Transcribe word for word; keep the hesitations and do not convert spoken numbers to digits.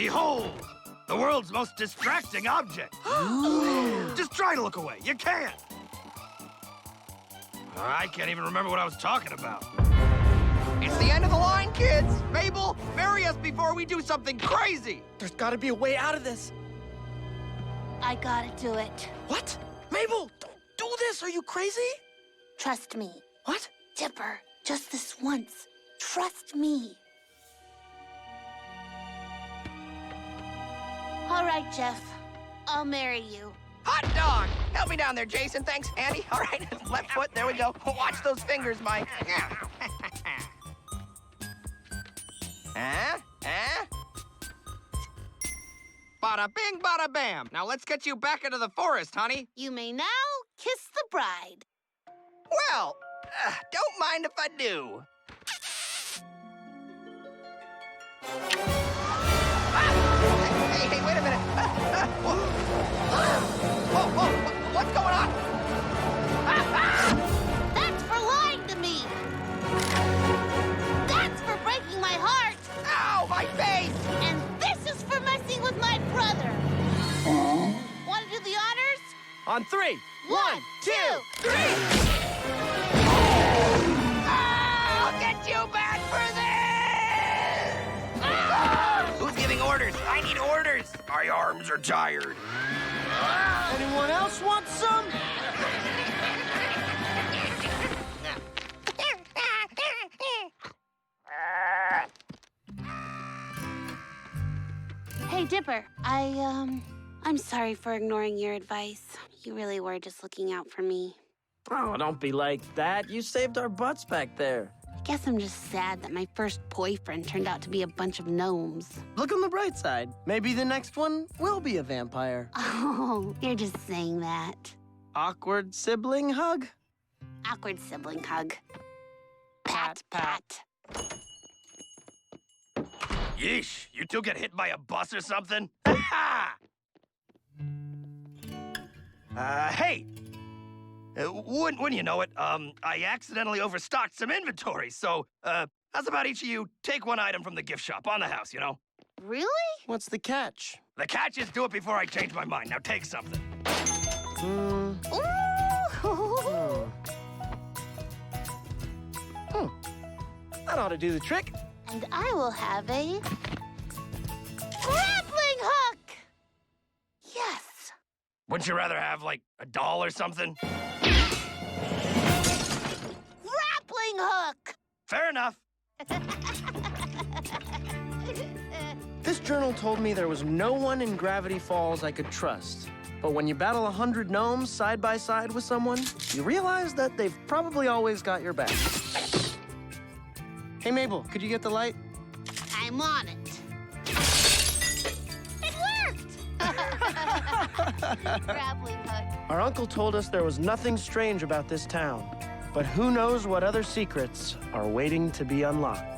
Behold, the world's most distracting object. Just try to look away. You can't. I can't even remember what I was talking about. It's the end of the line, kids. Mabel, marry us before we do something crazy. There's gotta be a way out of this. I gotta do it. What? Mabel, don't do this. Are you crazy? Trust me. What? Dipper, just this once. Trust me. All right, Jeff. I'll marry you. Hot dog! Help me down there, Jason. Thanks, Andy. All right, left foot. There we go. Watch those fingers, Mike. Huh? Huh? Bada bing, bada bam. Now let's get you back into the forest, honey. You may now kiss the bride. Well, uh, don't mind if I do. Ah! Hey, hey, wait a minute. Whoa, whoa, whoa, what's going on? That's for lying to me. That's for breaking my heart. Ow, my face! And this is for messing with my brother. Want to do the honors? On three. One, two, Three! I'll get you back for this! Ah! Who's giving orders? I need orders. My arms are tired. Anyone else want some? Hey, Dipper. I, um, I'm sorry for ignoring your advice. You really were just looking out for me. Oh, don't be like that. You saved our butts back there. I guess I'm just sad that my first boyfriend turned out to be a bunch of gnomes. Look on the bright side. Maybe the next one will be a vampire. Oh, you're just saying that. Awkward sibling hug? Awkward sibling hug. Pat, pat. Yeesh, you two get hit by a bus or something? uh, hey! Uh, wouldn't, wouldn't you know it, um, I accidentally overstocked some inventory, so, uh, how's about each of you take one item from the gift shop on the house, you know? Really? What's the catch? The catch is do it before I change my mind. Now take something. Hmm. Ooh. Hmm. That ought to do the trick. And I will have a grappling hook. Yes. Wouldn't you rather have, like, a doll or something? Grappling hook. Fair enough. This journal told me there was no one in Gravity Falls I could trust. But when you battle a hundred gnomes side by side with someone, you realize that they've probably always got your back. Hey, Mabel, could you get the light? I'm on it. It worked. Grappling hook. Our uncle told us there was nothing strange about this town. But who knows what other secrets are waiting to be unlocked.